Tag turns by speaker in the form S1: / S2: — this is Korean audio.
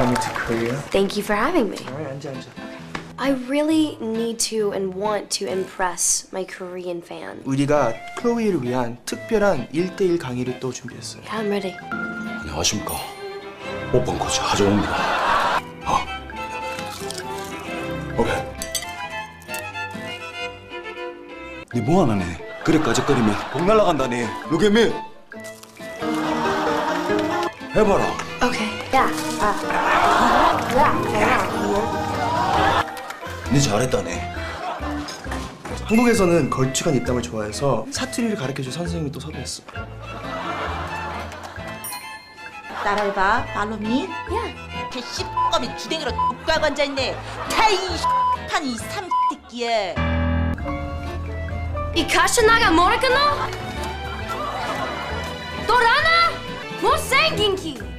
S1: coming to Korea?
S2: Thank you for having me.
S1: Alright, 앉아.
S2: I really need to and want to impress my Korean fan.
S1: 우리가 클로이를 위한 특별한 1대1 강의를 또 준비했어요.
S2: I'm ready.
S3: 안녕하십니까. 오픈 코치 하정우입니다. 오케이. 니 뭐하나니? 그래 까짓거리면 복 날라간다니. Look at me. 해봐라.
S2: Okay. Yeah. Yeah.
S3: 니 잘했다니.
S1: 한국에서는 걸쭉한 입담을 좋아해서 사투리를 가르쳐줄 선생님이 또 섭외했어.
S4: 따라해봐. 팔로미.
S2: Yeah.
S4: 개씹검이 주댕이로 X하고 앉아있네. 타이 판이 삼새끼야.
S2: 이 가시나가 모르겠노? 또라나? 못생긴 키.